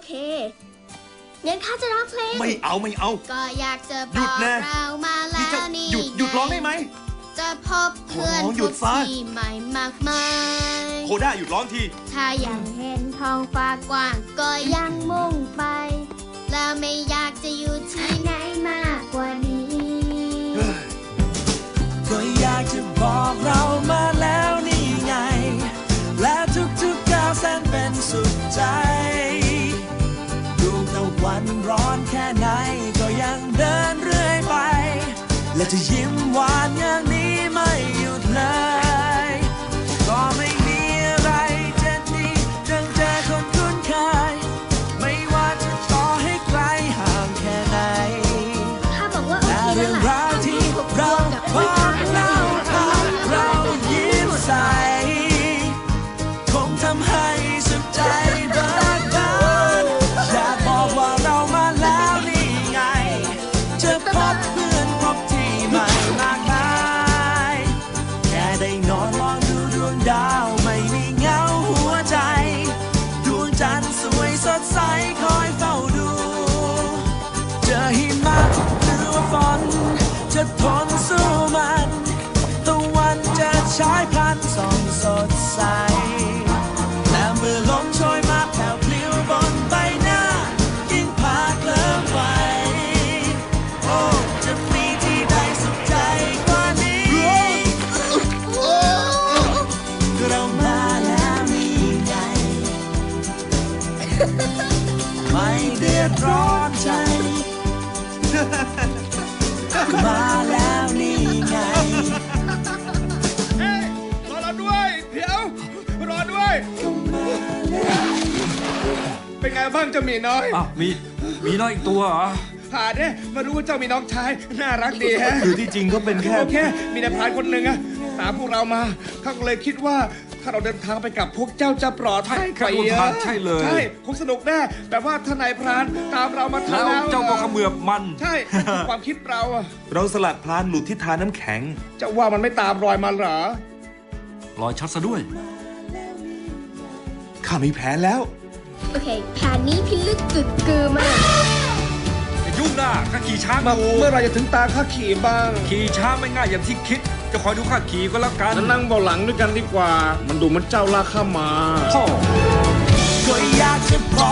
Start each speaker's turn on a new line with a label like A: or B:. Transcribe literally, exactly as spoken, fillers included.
A: เคงั้นข้าจะร้องเพลง
B: ไม่เอาไม่เอา
A: ก็อยากจะบ
B: หยุ
A: อ
B: ด
A: ก
B: นะ
A: เรามาแล้วนี่
B: หยุดหยุดร้องได้ไหม
A: จะพบเพื่อน
B: ขอร้องหยุดซะ
A: ที่ใหม่มากมาย
B: โคด้าหยุดร้องที
A: ถ้ายังเห็นท้องฟ้ากว้างก็ยังมุ่งไป แล้วไม่อยากจะอยู่ที่ไหนมากกว่านี้
C: ก็อยากจะบอกเรามาแล้วนี่ไง และทุกๆก้าวแสนเป็นสุขใจดวงตะวันร้อนแค่ไหนก็ยังเดินเรื่อยไป และจะยิ้มหวานอย่างนี้ไม่หยุดเลยก็ไม่มีอะไรจะดีจังเจอคนคุ้นเคยไม่ว่าจะต่อให้ไกลห่างแค่ไหน
A: ถ้าบอกว่าโอ
C: และ
A: เค
C: เรื่อง
A: แล้ว
C: ราว
A: ล่ะ
C: ที่เราพบเราพาเรายิ้มใสคงทำให้สุขใจเบิกบานอยากบอกว่าเรามาแล้วนี่ไง จะพบเพื่อนพบที่ใหม่มากมายแค่ได้นอนมองดูดวงดาวไม่มีเหงาหัวใจ ดวงจันทร์สวยสดใสคอยเฝ้าดูเจอหิมะหรือว่าฝนจะทนสู้มันตะวันจะฉายพลันส่องสดใสและเมื่อลมโชยมาแผ่วพลิ้วบนใบหน้ายิ่งพาเคลิ้มไปโอ้จะมีที่ใดสุขใจกว่านี้เรามาแล้วนี่ไง ไม่เดือดร้อนใจ มาแล้วนี่ไง
D: เฮ้ยรอเราด้วย เดี๋ยว รอด้วย เป็นไงบ้างเจ้าหมีน้อย
E: อ้าวมีมีน้อยอีกตัวเหรอ
D: ผ่านเนี่ยมารู้ว่าเจ้ามีน้องชาย น่ารักดีฮะ
B: คือที่จริงก็เป็นแค่
D: โอเค มีนายพรานคนหนึ่งอะตามพวกเรามาเขาก็เลยคิดว่าถ้าเราเดินทางไปกับพวกเจ้าจะปลอดภัย
E: ใช่ครับคุณพรานใช่เลย
D: ใช่คงสนุกแน่แบบว่าถ้านายพรานตามเรามาทัน
E: แล้ว
D: แล้ว
E: เจ้าก็เขมือบมัน
D: ใช่นั่นคือความคิดเราอะ
B: เราสลัดพลานหลุดที่ทาน้ำแข็ง
D: เจะว่ามันไม่ตามรอยมาเหรอ
E: รอยชัดซะด้วย
B: ข้ามีแผนแล้ว
A: โอเคแผนนี้พิลึกกึกกือมาก
E: อย่ายุ่งนะข้าขี่ช้าง
D: มา
E: อยู่
D: เมื่อไหรจะถึงตาข้าขี่บ้าง
E: ขี่ช้างไม่ง่ายอย่างที่คิด จะคอยดูข้าขี่ก็แล้วกัน
D: จะนั่งเบาะหลังด้วยกันดีกว่า มันดูเหมันเจ้าลากข้ามา
E: โธ่
C: ก็อยากจะบอ